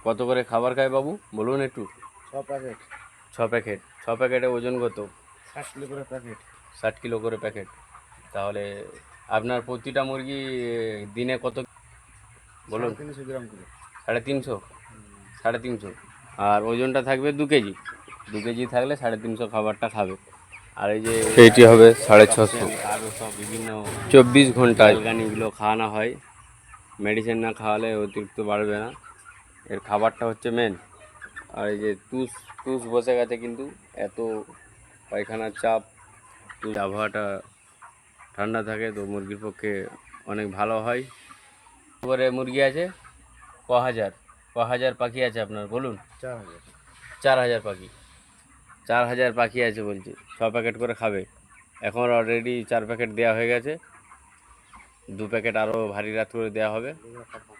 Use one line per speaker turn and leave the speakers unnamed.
কত করে খাবার খায় বাবু বলুন একটু?
6 প্যাকেট।
6 প্যাকেট। 6 প্যাকেটে ওজন কত?
60 কিলো করে প্যাকেট।
60 কিলো করে প্যাকেট। তাহলে আপনার প্রতিটা মুরগি দিনে কত বলুন?
350 গ্রাম করে।
350। 350। আর ওজনটা থাকবে 2 কেজি। 2 কেজি থাকলে 350 খাবারটা খাবে। আর এই যে এইটি হবে 650। আরও সব বিভিন্ন 24 ঘন্টা অ্যালগানিগুলো খাওয়ানো হয়। মেডিসিন না খাওয়ালে অতিরিক্ত বাড়বে না। এর খাবারটা হচ্ছে মেন। আর এই যে তুষ তুষ বসে গেছে কিন্তু এত পায়খানার চাপ, আবহাওয়াটা ঠান্ডা থাকে তো মুরগির পক্ষে অনেক ভালো হয়। করে মুরগি আছে ক হাজার পাখি আছে আপনার বলুন?
4000।
4000 পাখি। 4000 পাখি আছে বলছি। 6 প্যাকেট করে খাবে। এখন অলরেডি 4 প্যাকেট দেওয়া হয়ে গেছে। 2 প্যাকেট আরও ভারী রাত করে দেওয়া হবে।